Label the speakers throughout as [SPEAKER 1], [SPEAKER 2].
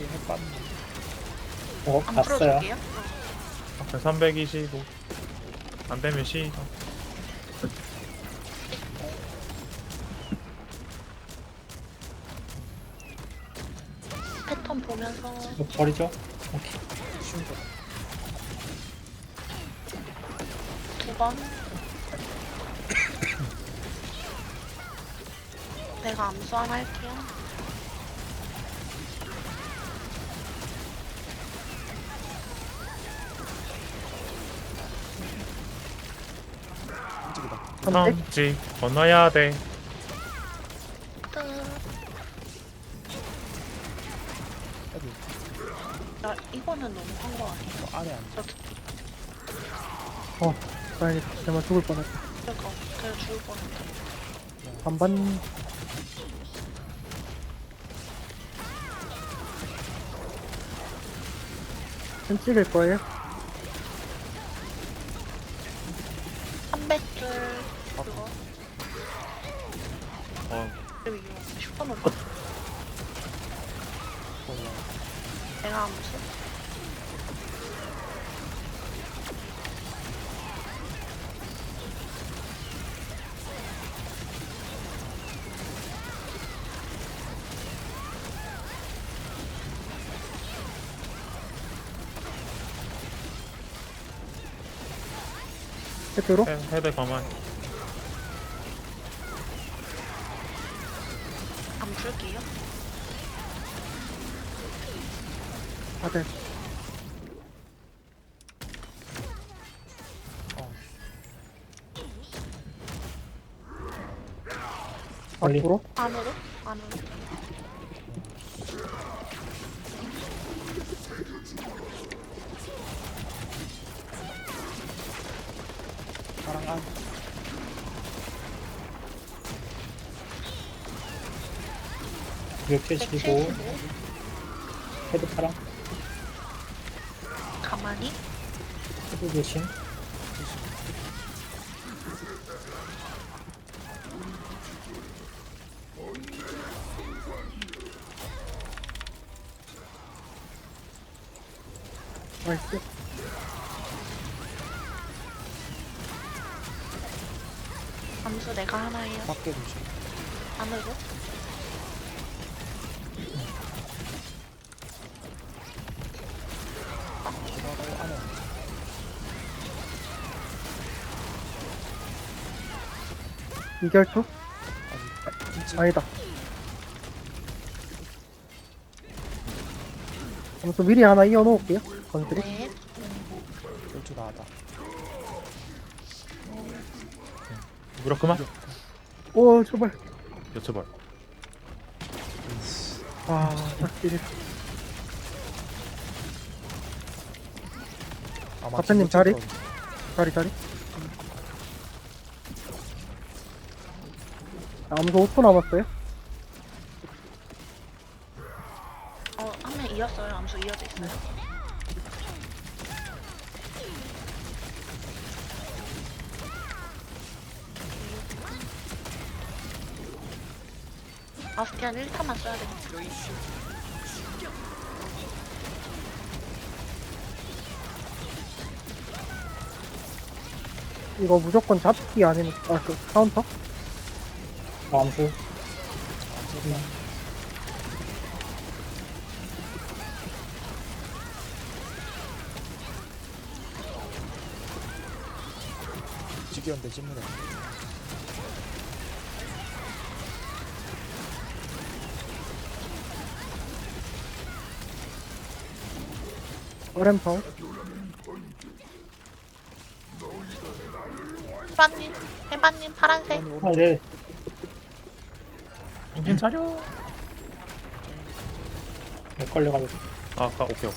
[SPEAKER 1] 안
[SPEAKER 2] 갔어요.
[SPEAKER 1] 풀어줄게요.
[SPEAKER 3] 앞에 325. 안 되면 C.
[SPEAKER 1] 패턴 보면서
[SPEAKER 2] 이거 버리죠? 오케이.
[SPEAKER 1] 2번. 내가 암수 하나 할게요.
[SPEAKER 3] 삼지 건너야 돼.
[SPEAKER 1] 끝. 야, 이거는 너무 한 거 아니에요?
[SPEAKER 4] 안에 앉아.
[SPEAKER 5] 다행이다. 정말 죽을 뻔했다.
[SPEAKER 1] 그러니까 그래 죽을 뻔했다.
[SPEAKER 5] 반반. 좀 찍을 거예요?
[SPEAKER 1] 300줄 그거. 그리고 이거 슈퍼노바. 내가 암수.
[SPEAKER 5] 헤드로?
[SPEAKER 3] 헤드 가만히.
[SPEAKER 1] 암 풀게요.
[SPEAKER 5] 다들.
[SPEAKER 2] 멀리.
[SPEAKER 5] 앞으로?
[SPEAKER 1] 안으로? 안으로.
[SPEAKER 4] 파랑 안.
[SPEAKER 2] 이렇게 치고
[SPEAKER 1] 175.
[SPEAKER 2] 헤드 파랑
[SPEAKER 1] 가만히.
[SPEAKER 2] 헤드 조심.
[SPEAKER 5] 나이스.
[SPEAKER 1] 암수 내가 하나 해요.
[SPEAKER 4] 밖에 조심.
[SPEAKER 1] 안으로.
[SPEAKER 4] 안에 앉아.
[SPEAKER 5] 이결초?
[SPEAKER 4] 아직.
[SPEAKER 5] 아니다. 아무튼 미리 하나 이어놓을게요. 건드리.
[SPEAKER 1] 네.
[SPEAKER 4] 열주 나왔다.
[SPEAKER 3] 무력 그만.
[SPEAKER 5] 오, 제발.
[SPEAKER 3] 여쭤봐.
[SPEAKER 5] 딱딜.
[SPEAKER 4] 아마
[SPEAKER 5] 박사님
[SPEAKER 4] 기분
[SPEAKER 5] 자리?
[SPEAKER 4] 쳤던-
[SPEAKER 5] 자리. 아무도 5초 남았어요?
[SPEAKER 1] 한 명 이었어요. 암수 이어져 있어요. 아스티안 1타만 써야 돼.
[SPEAKER 5] 이거 무조건 잡기 아니면, 카운터?
[SPEAKER 2] 암수.
[SPEAKER 4] 직이었는데 찜문에.
[SPEAKER 5] 어렘파워?
[SPEAKER 1] 해바님 파란색.
[SPEAKER 2] 아, 네.
[SPEAKER 3] 정신 차려.
[SPEAKER 2] 걸려가지고.
[SPEAKER 3] 아까 오케이.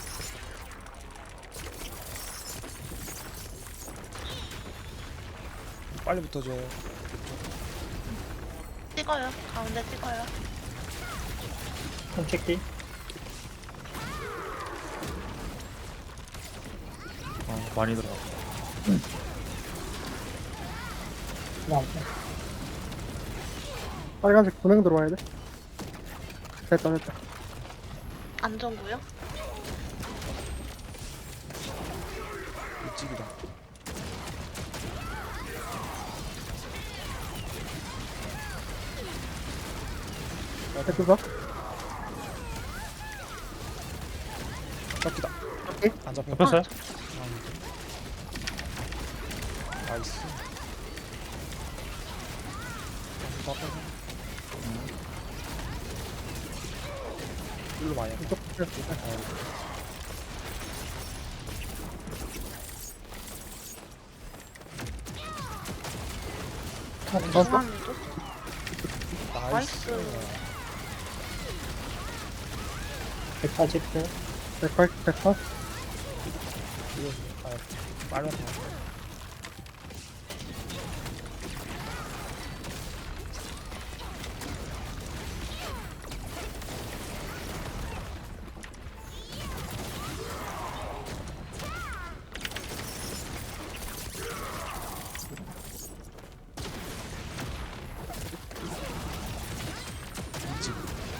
[SPEAKER 4] 빨리 붙어줘요.
[SPEAKER 1] 찍어요. 가운데 찍어요.
[SPEAKER 2] 손 찍기.
[SPEAKER 3] 많이 들어가.
[SPEAKER 2] 그다음
[SPEAKER 5] 빨간색 분행 들어와야 돼. 됐다.
[SPEAKER 1] 안전구요?
[SPEAKER 4] 일찍이다.
[SPEAKER 5] 헤드가?
[SPEAKER 4] 잡기다.
[SPEAKER 5] 오케이.
[SPEAKER 4] 안 잡혀.
[SPEAKER 3] 잡혔어요?
[SPEAKER 4] 나이스. 다 빼서. 일로 많이 해.
[SPEAKER 5] 이쪽 카운터?
[SPEAKER 1] 중앙에도?
[SPEAKER 4] 나이스.
[SPEAKER 1] 나이스.
[SPEAKER 2] 180도.
[SPEAKER 5] 180, 180.
[SPEAKER 4] 이거 빨면 다. 일찍.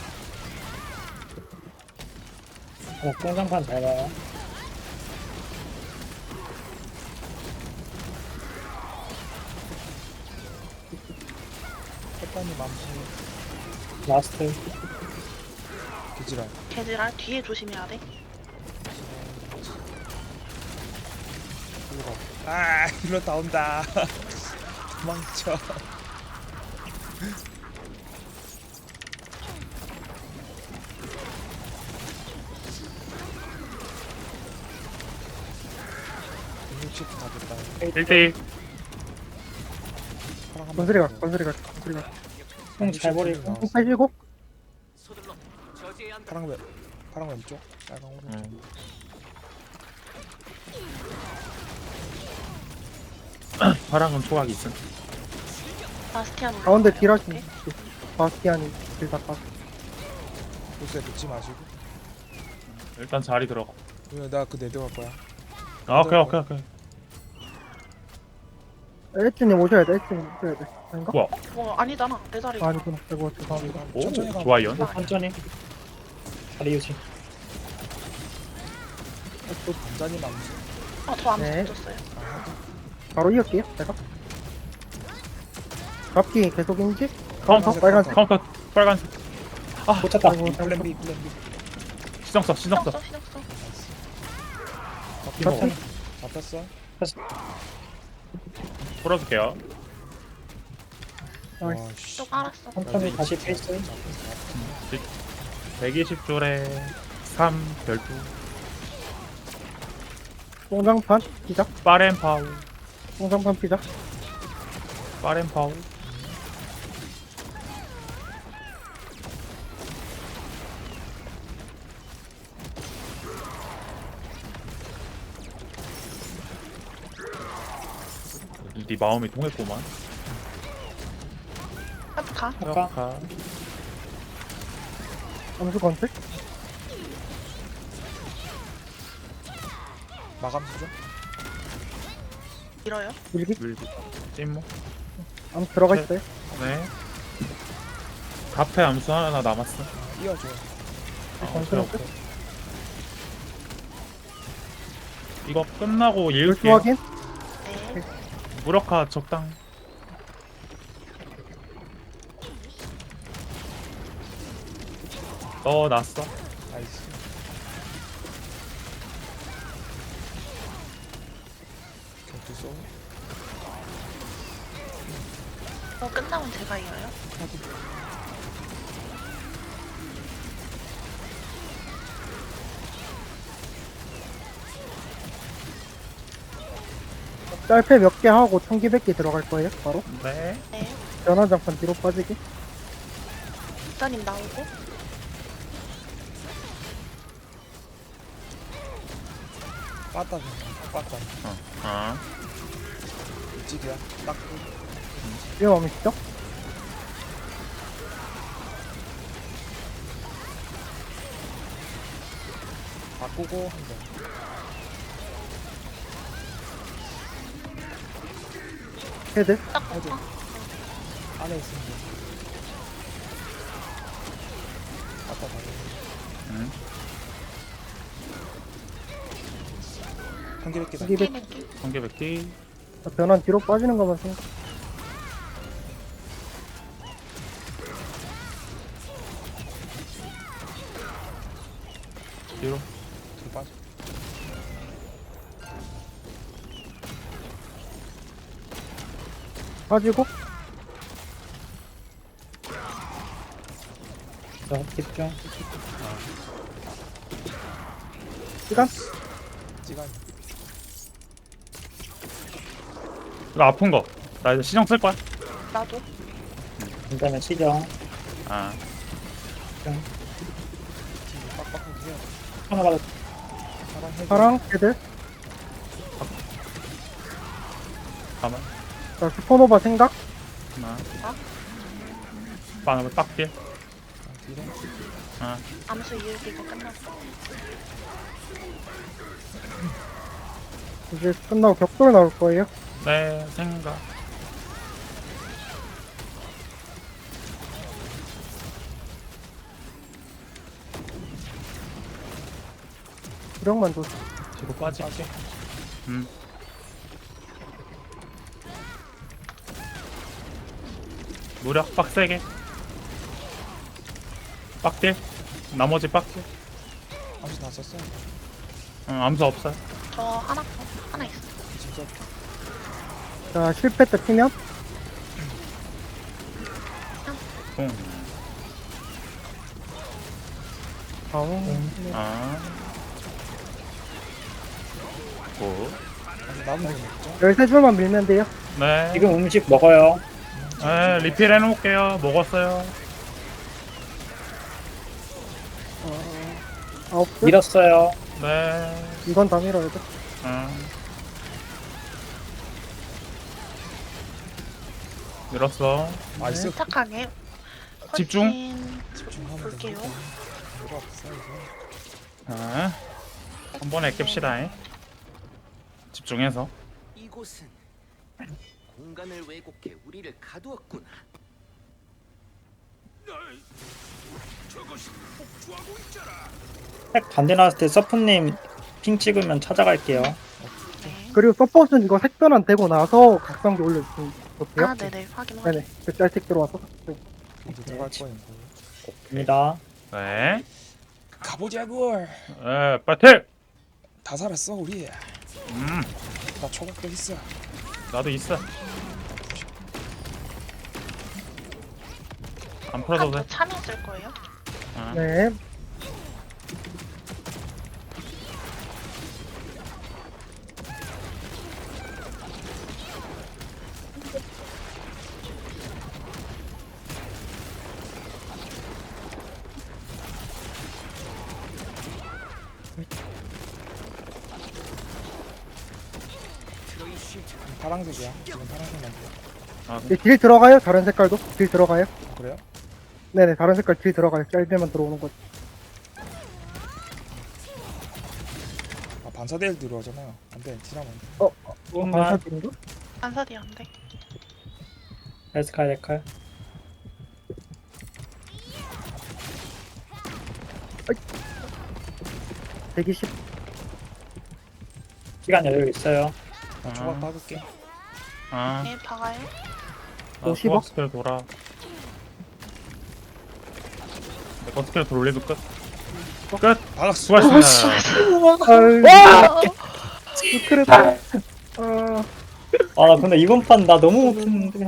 [SPEAKER 2] 공장판 잘 봐요.
[SPEAKER 4] 햇반이 맘수.
[SPEAKER 2] 라스트.
[SPEAKER 4] 기지랄.
[SPEAKER 1] 개지랄 뒤에 조심해야 돼.
[SPEAKER 4] 일로 가. 아, 일로 나온다. 도망쳐. 육십 다 됐다.
[SPEAKER 3] 1대1.
[SPEAKER 4] 파랑 한
[SPEAKER 5] 건슬이 가,
[SPEAKER 4] 번.
[SPEAKER 5] 건슬이 가, 건슬이 가.
[SPEAKER 2] 잘 버리고.
[SPEAKER 4] 나왔어.
[SPEAKER 5] 87고?
[SPEAKER 4] 파랑 왼쪽, 빨강 오른쪽.
[SPEAKER 3] 파랑은 초각이 있음.
[SPEAKER 1] 바스티안
[SPEAKER 5] 가운데 딜하시네. 바스티안이 딜 다 까.
[SPEAKER 4] 보스에 늦지 마시고.
[SPEAKER 3] 일단 자리 들어가.
[SPEAKER 4] 나그 네드 갈 거야.
[SPEAKER 3] 아, 오케이.
[SPEAKER 5] 엘리트님 오셔야 돼, 엘리트님 오셔야 돼. 아닌가?
[SPEAKER 3] 우와.
[SPEAKER 1] 아니잖아. 내 자리.
[SPEAKER 5] 아니구나. 이거 죄송합니다.
[SPEAKER 3] 오,
[SPEAKER 4] 천천히 가.
[SPEAKER 3] 좋아요.
[SPEAKER 2] 천천히. 다리 유지.
[SPEAKER 4] 또 단단히 남지.
[SPEAKER 1] 저 암수
[SPEAKER 5] 네.
[SPEAKER 1] 던졌어요.
[SPEAKER 5] 바로 이을게요, 제가. 잡기 계속 인지?
[SPEAKER 3] 카운터,
[SPEAKER 5] 빨간색.
[SPEAKER 3] 카운터, 빨간색.
[SPEAKER 2] 꽂혔다.
[SPEAKER 5] 아이고,
[SPEAKER 4] 플랜 B.
[SPEAKER 3] 시정 써.
[SPEAKER 1] 신경 써.
[SPEAKER 2] 천천히.
[SPEAKER 4] 잡혔어.
[SPEAKER 3] 풀어줄게요.
[SPEAKER 5] 나이스.
[SPEAKER 4] 와, 씨.
[SPEAKER 1] 또 깔았어.
[SPEAKER 2] 천천히 다시 페이스.
[SPEAKER 3] 120줄에 3 별도.
[SPEAKER 5] 뽕장판 피작.
[SPEAKER 3] 빠렌파우.
[SPEAKER 5] 뽕장판 피작.
[SPEAKER 3] 빠렌파우. 네 마음이 통했구만.
[SPEAKER 1] 가.
[SPEAKER 2] 아까
[SPEAKER 5] 암수 건슬?
[SPEAKER 4] 마감 수죠?
[SPEAKER 1] 밀어요.
[SPEAKER 5] 밀기?
[SPEAKER 3] 밀기. 찜모.
[SPEAKER 5] 암수 들어가
[SPEAKER 3] 네.
[SPEAKER 5] 있어요.
[SPEAKER 3] 네. 카페 암수 하나 남았어.
[SPEAKER 4] 이어줘.
[SPEAKER 5] 건슬
[SPEAKER 3] 오케이,
[SPEAKER 5] 끝.
[SPEAKER 3] 오케이. 이거 끝나고
[SPEAKER 5] 물수
[SPEAKER 3] 읽을게요.
[SPEAKER 5] 확인?
[SPEAKER 1] 네.
[SPEAKER 3] 무력화 적당. 넣어놨어.
[SPEAKER 4] 나이스. 경투 쏘.
[SPEAKER 1] 끝나면 제가 이어요.
[SPEAKER 5] 짤패 몇 개 하고 총기 100개 들어갈 거예요, 바로.
[SPEAKER 3] 네.
[SPEAKER 1] 네.
[SPEAKER 5] 변화장판 뒤로 빠지기.
[SPEAKER 1] 국사님 나오고.
[SPEAKER 4] 빠따 빠따.
[SPEAKER 3] 아.
[SPEAKER 4] 일찍이야. 딱.
[SPEAKER 5] 위험함이 시죠?
[SPEAKER 4] 바꾸고 한 번.
[SPEAKER 5] 헤드.
[SPEAKER 1] 딱.
[SPEAKER 4] 해도 안에 있으면 돼. 빠따 가고.
[SPEAKER 3] 응.
[SPEAKER 4] 한개 몇 개다.
[SPEAKER 5] 한개 백.
[SPEAKER 1] 몇 개.
[SPEAKER 3] 한개 뱉기.
[SPEAKER 5] 변환 뒤로 빠지는 것만 생각.
[SPEAKER 3] 뒤로.
[SPEAKER 4] 뒤로 빠져.
[SPEAKER 5] 빠지고
[SPEAKER 2] 저 집중.
[SPEAKER 5] 시간.
[SPEAKER 4] 찌간.
[SPEAKER 3] 이거 아픈 거. 나 이제 시정 쓸 거야.
[SPEAKER 1] 나도.
[SPEAKER 2] 그다음에 시정.
[SPEAKER 3] 아.
[SPEAKER 4] 뒤로 빡빡하게 해야 돼.
[SPEAKER 2] 하나 받아.
[SPEAKER 4] 사랑 해줘.
[SPEAKER 5] 파랑 헤드.
[SPEAKER 3] 가만.
[SPEAKER 5] 자 슈퍼노바 생각.
[SPEAKER 3] 하나.
[SPEAKER 1] 어?
[SPEAKER 3] 빵을 딱 딜.
[SPEAKER 4] 뒤로.
[SPEAKER 3] 아.
[SPEAKER 1] 암수 이을기가 끝났어.
[SPEAKER 5] 이제 끝나고 격돌 나올 거예요.
[SPEAKER 3] 네, 생각.
[SPEAKER 5] 구력만 줘.
[SPEAKER 3] 뒤로 빠질게. 무력 빡세게. 빡딜. 나머지 빡딜.
[SPEAKER 4] 암수 다 썼어.
[SPEAKER 3] 응, 암수 없어요.
[SPEAKER 1] 저 하나 있어.
[SPEAKER 4] 진짜
[SPEAKER 5] 자 실패 때 피면
[SPEAKER 3] 공. 아. 고.
[SPEAKER 4] 암수 남은 거 먹죠.
[SPEAKER 5] 13줄만 밀면 돼요.
[SPEAKER 3] 네.
[SPEAKER 2] 지금 음식 먹어요.
[SPEAKER 3] 네, 리필 해놓을게요. 먹었어요.
[SPEAKER 5] 9줄.
[SPEAKER 2] 밀었어요.
[SPEAKER 3] 네.
[SPEAKER 5] 이건 다 밀어야 돼.
[SPEAKER 3] 밀었어.
[SPEAKER 4] 나이스.
[SPEAKER 1] 착하게.
[SPEAKER 3] 집중.
[SPEAKER 1] 훨씬
[SPEAKER 4] 집중하면
[SPEAKER 1] 볼게요.
[SPEAKER 4] 됩니다. 뭐가 없어 이거.
[SPEAKER 3] 한 번에 깹시다. 집중해서.
[SPEAKER 6] 이곳은 공간을 왜곡해 우리를 가두었구나.
[SPEAKER 2] 색 반대 나왔을 때 서프님 핑 찍으면 찾아갈게요.
[SPEAKER 1] 네.
[SPEAKER 5] 그리고 서폿은 이거 색변환 되고 나서 각성기 올려주시면 좋대요.
[SPEAKER 1] 아, 네네. 확인 확인.
[SPEAKER 5] 네네. 그 짤색 들어와서.
[SPEAKER 4] 이제 들어갈 거예요.
[SPEAKER 2] 입니다.
[SPEAKER 3] 네.
[SPEAKER 4] 가보자고.
[SPEAKER 3] 네, 파이팅!
[SPEAKER 4] 다 살았어 우리. 나 초각도 있어.
[SPEAKER 3] 나도 있어. 안 풀어도 돼.
[SPEAKER 1] 또 참여 쓸 거예요?
[SPEAKER 3] 아.
[SPEAKER 5] 네.
[SPEAKER 4] 파란색이야. 지금 파란색만 보여.
[SPEAKER 3] 아,
[SPEAKER 5] 이제 딜 들어가요. 다른 색깔도 딜 들어가요.
[SPEAKER 4] 그래요?
[SPEAKER 5] 네네. 다른 색깔 딜 들어가요. 짤배만 들어오는 거지.
[SPEAKER 4] 아 반사대일 들어오잖아요. 안돼 티라면.
[SPEAKER 2] 조금만.
[SPEAKER 5] 반사딜인가?
[SPEAKER 1] 안사디 안 돼.
[SPEAKER 2] 에스칼 데칼.
[SPEAKER 5] 120.
[SPEAKER 2] 시간 여유 있어요.
[SPEAKER 4] 나 초각 박을게.
[SPEAKER 3] 아,
[SPEAKER 1] 네, 박아요.
[SPEAKER 5] 50억?
[SPEAKER 3] 소각 스킬 돌아. 내거 스킬 돌리도 끝. 끝!
[SPEAKER 4] 박았어.
[SPEAKER 3] 수고하셨습니다.
[SPEAKER 5] 아유. 스크래다. 아.
[SPEAKER 2] 아 근데 이번 판 나 너무 못했는데.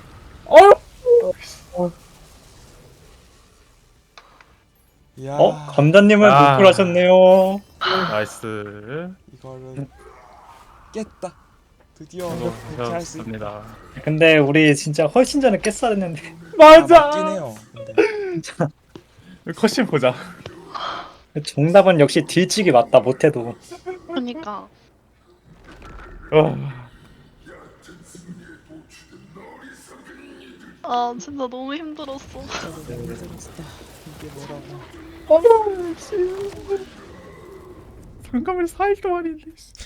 [SPEAKER 4] 야.
[SPEAKER 2] 감자님은
[SPEAKER 3] 아.
[SPEAKER 2] 못 하셨네요.
[SPEAKER 3] 나이스.
[SPEAKER 4] 이거를 깼다. 드디어
[SPEAKER 3] 이거
[SPEAKER 4] 그렇게 할 수 있다.
[SPEAKER 3] 좋습니다.
[SPEAKER 2] 근데 우리 진짜 훨씬 전에 깼어야 했는데.
[SPEAKER 4] 맞긴 해요. 근데
[SPEAKER 3] 컷신 보자.
[SPEAKER 2] 정답은 역시 딜치기 맞다. 못해도.
[SPEAKER 1] 그러니까. 아, 진짜 너무 힘들었어.
[SPEAKER 4] 이게 뭐라고?
[SPEAKER 3] 상감을 4일 동안인데.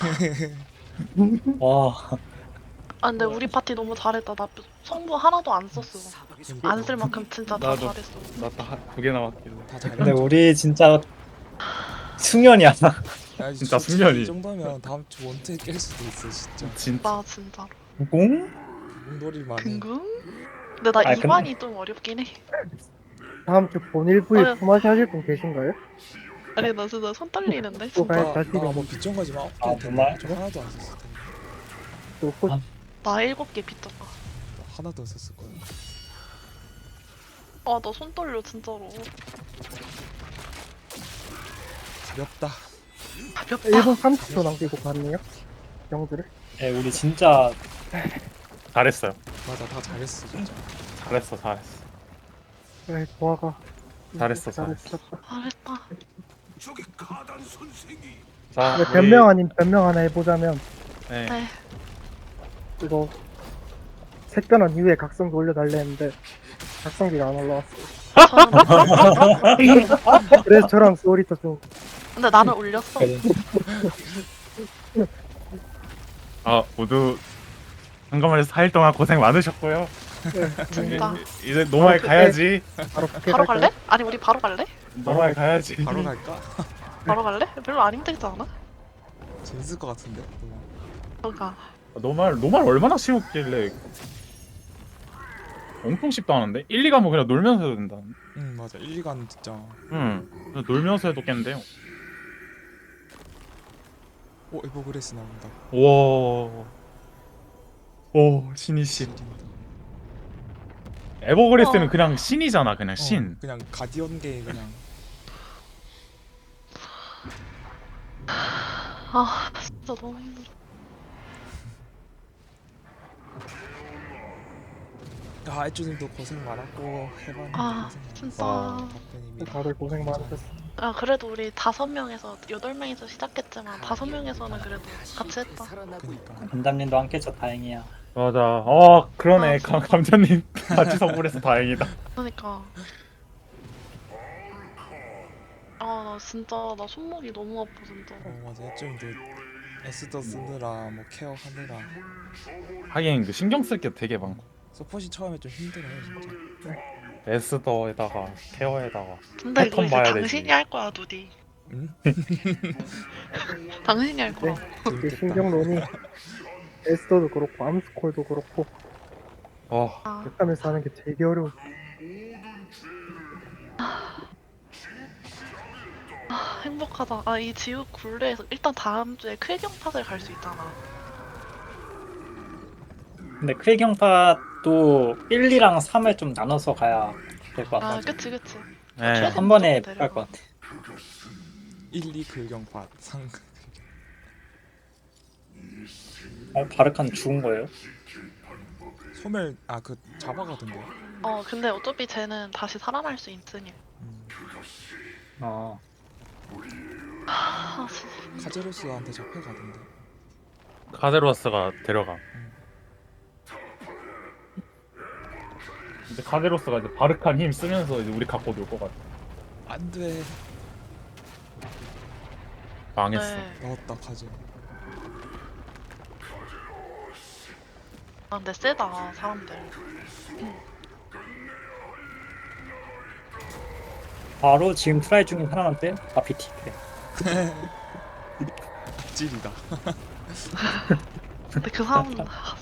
[SPEAKER 2] 와.
[SPEAKER 1] 아, 근데 우리 파티 너무 잘했다. 나 성부 하나도 안 썼어. 안 쓸 만큼 진짜 다
[SPEAKER 3] 나도.
[SPEAKER 1] 잘했어.
[SPEAKER 3] 나딱 2개 남았길래.
[SPEAKER 4] 다 잘해.
[SPEAKER 2] 근데 우리 진짜 숙련이야.
[SPEAKER 4] 야,
[SPEAKER 3] 진짜
[SPEAKER 4] 솔직히
[SPEAKER 3] 숙련이.
[SPEAKER 4] 이 정도면 다음 주 원투에 깰 수도 있어 진짜.
[SPEAKER 3] 진짜.
[SPEAKER 1] 나 진짜로.
[SPEAKER 2] 공?
[SPEAKER 4] 놀이만 해.
[SPEAKER 1] 긍긍? 근데 나
[SPEAKER 2] 아, 근데-
[SPEAKER 1] 이관이 좀 어렵긴 해.
[SPEAKER 5] 다음 주 본일부에
[SPEAKER 1] 어.
[SPEAKER 5] 품앗이 하실 분 계신가요?
[SPEAKER 1] 아니 나 진짜 손 떨리는데
[SPEAKER 5] 또 가야
[SPEAKER 1] 진짜.
[SPEAKER 5] 자신이
[SPEAKER 4] 나뭐 빗정가지 마.
[SPEAKER 2] 아, 정말?
[SPEAKER 4] 저 하나도 안 썼을 텐데.
[SPEAKER 5] 없고
[SPEAKER 2] 아.
[SPEAKER 1] 나 7개 빚졌다.
[SPEAKER 4] 하나도 안 썼을 거야.
[SPEAKER 1] 아 나 손 떨려 진짜로.
[SPEAKER 4] 가볍다.
[SPEAKER 1] 가볍다.
[SPEAKER 5] 1분 30초 남기고 갔네요. 경들을.
[SPEAKER 2] 예, 우리 진짜
[SPEAKER 3] 잘했어요.
[SPEAKER 4] 맞아, 다 잘했어 진짜.
[SPEAKER 3] 잘했어.
[SPEAKER 5] 네, 보아가
[SPEAKER 3] 잘했어.
[SPEAKER 5] 잘했어.
[SPEAKER 1] 잘했다.
[SPEAKER 3] 자,
[SPEAKER 5] 네, 변명 아닌 변명 하나 해보자면
[SPEAKER 3] 네.
[SPEAKER 1] 네.
[SPEAKER 5] 이거 색변환 이후에 각성기 올려달래 했는데 각성기가 안 올라왔어요.
[SPEAKER 1] 저는
[SPEAKER 5] 그래서 저랑 소리터 좀
[SPEAKER 1] 근데 나는 올렸어.
[SPEAKER 3] 아 모두 한가만에서 4일 동안 고생 많으셨고요.
[SPEAKER 1] 진짜.
[SPEAKER 3] 이제 노말 가야지.
[SPEAKER 5] 바로 부캐
[SPEAKER 1] 바로
[SPEAKER 5] 갈까요?
[SPEAKER 1] 갈래? 아니 우리 바로 갈래?
[SPEAKER 3] 노말 가야지.
[SPEAKER 4] 바로 갈까?
[SPEAKER 1] 바로 갈래? 별로 안 힘들지 않아?
[SPEAKER 4] 재밌을 것 같은데.
[SPEAKER 1] 그러니까
[SPEAKER 3] 노말 얼마나 쉬웠길래 엄청 쉽다 하는데 1, 2과목 그냥 놀면서 해도 된다.
[SPEAKER 4] 응 맞아. 1, 2간 진짜.
[SPEAKER 3] 그냥 놀면서 해도 깼는데요.
[SPEAKER 4] 오 에버그레스 나온다.
[SPEAKER 3] 우와. 오 신이신.
[SPEAKER 4] 지린다.
[SPEAKER 3] 에버그레스는 그냥 신이잖아. 그냥
[SPEAKER 4] 어,
[SPEAKER 3] 신.
[SPEAKER 4] 그냥 가디언계 그냥.
[SPEAKER 1] 아 진짜 너무 힘들어.
[SPEAKER 4] 아 애주님도 고생 많았고 해봤는데
[SPEAKER 1] 아
[SPEAKER 4] 고생
[SPEAKER 1] 진짜.
[SPEAKER 4] 많았고
[SPEAKER 5] 다들 고생 많으셨어.
[SPEAKER 1] 아 그래도 우리 5명에서 8명에서 시작했지만 5명에서는 그래도 같이 했다.
[SPEAKER 6] 살아나고 있다.
[SPEAKER 4] 그니까
[SPEAKER 2] 감담님도 함께해서 다행이야.
[SPEAKER 3] 맞아. 그러네.
[SPEAKER 1] 아,
[SPEAKER 3] 감자님 같이 선물해서 다행이다.
[SPEAKER 1] 그러니까. 아 나 진짜 나 손목이 너무 아파 진짜.
[SPEAKER 4] 맞아 애주님도 에스더 쓰느라 뭐 케어 하느라
[SPEAKER 3] 하긴 그 신경 쓸 게 되게 많고.
[SPEAKER 4] 서폿이 처음에 좀 힘들어요 진짜.
[SPEAKER 3] 에스더에다가 케어에다가
[SPEAKER 1] 근데 이거
[SPEAKER 3] 패턴
[SPEAKER 1] 이제
[SPEAKER 3] 봐야
[SPEAKER 1] 당신이
[SPEAKER 3] 되지.
[SPEAKER 1] 할 거야 누디.
[SPEAKER 4] 응?
[SPEAKER 1] 당신이 할 거야.
[SPEAKER 5] 이게 신경론이 에스더도 그렇고 암스콜도 그렇고
[SPEAKER 1] 아,
[SPEAKER 5] 하면서 하는 게 되게 어려워.
[SPEAKER 1] 행복하다. 아 이 지옥 굴레에서 일단 다음 주에 쾌경팟을 갈 수 있잖아.
[SPEAKER 2] 근데 쾌경파도 1, 2랑 3을 좀 나눠서 가야 될 것
[SPEAKER 1] 아
[SPEAKER 2] 같아.
[SPEAKER 1] 그치.
[SPEAKER 3] 네.
[SPEAKER 2] 한 번에 못 갈 것 같아.
[SPEAKER 4] 1, 2 글경팟 3
[SPEAKER 2] 바르칸 죽은 거예요?
[SPEAKER 4] 소멸 그 잡아가던데요.
[SPEAKER 1] 근데 어차피 쟤는 다시 살아날 수 있으니.
[SPEAKER 2] 어.
[SPEAKER 1] 아 진짜.
[SPEAKER 4] 카제로스한테 잡혀가던데.
[SPEAKER 3] 카데로스가 데려가. 이제 카데로스가 이제 바르칸 힘 쓰면서 이제 우리 갖고 놀 것 같아.
[SPEAKER 4] 안돼.
[SPEAKER 3] 망했어.
[SPEAKER 1] 네.
[SPEAKER 4] 넣었다 카제.
[SPEAKER 1] 아 근데 세다 사람들.
[SPEAKER 2] 바로 지금 트라이 중인 하나만 빼? 아피티 그래.
[SPEAKER 4] 찔이다.
[SPEAKER 1] 근데 그 사람은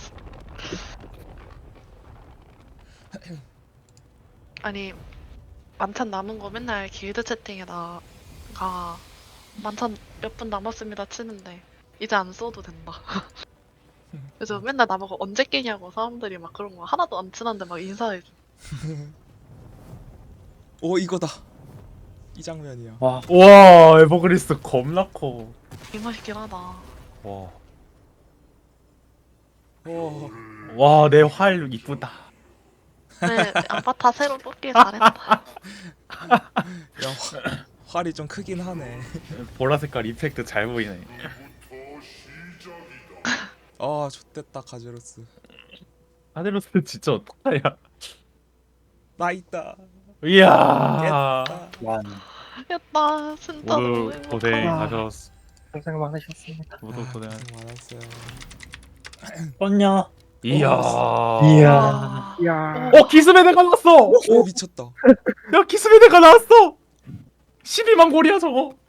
[SPEAKER 1] 아니 만찬 남은 거 맨날 길드 채팅에다가 만찬 몇 분 남았습니다 치는데 이제 안 써도 된다. 그래서 맨날 나보고 언제 깨냐고 사람들이 막 그런 거 하나도 안 친한데 막 인사해줘.
[SPEAKER 4] 오 이거다. 이 장면이야.
[SPEAKER 2] 와,
[SPEAKER 3] 와 에버그리스 겁나 커.
[SPEAKER 1] 이 맛있긴 하다.
[SPEAKER 3] 와.
[SPEAKER 4] 오.
[SPEAKER 3] 와 내 활 이쁘다.
[SPEAKER 1] 네 아바타 새로 뽑길 잘했다.
[SPEAKER 4] 야 활이 좀 크긴 하네.
[SPEAKER 3] 보라 색깔 이펙트 잘 보이네.
[SPEAKER 4] 아 좋댔다 카제로스.
[SPEAKER 3] 카데로스 진짜 어떡하냐.
[SPEAKER 4] 나 있다.
[SPEAKER 3] 이야.
[SPEAKER 2] 완.
[SPEAKER 1] 했다 진짜 너무
[SPEAKER 3] 모두
[SPEAKER 1] 행복하다.
[SPEAKER 3] 고생하셨어.
[SPEAKER 5] 고생 많으셨습니다.
[SPEAKER 3] 모두 고생.
[SPEAKER 4] 고생 많았어요.
[SPEAKER 2] 뻔냐?
[SPEAKER 3] 이야.
[SPEAKER 2] 이야.
[SPEAKER 1] 와.
[SPEAKER 5] 이야.
[SPEAKER 3] 기스메데가 나왔어.
[SPEAKER 4] 오 미쳤다.
[SPEAKER 3] 야 기스메데가 나왔어. 12만 골이야 저거.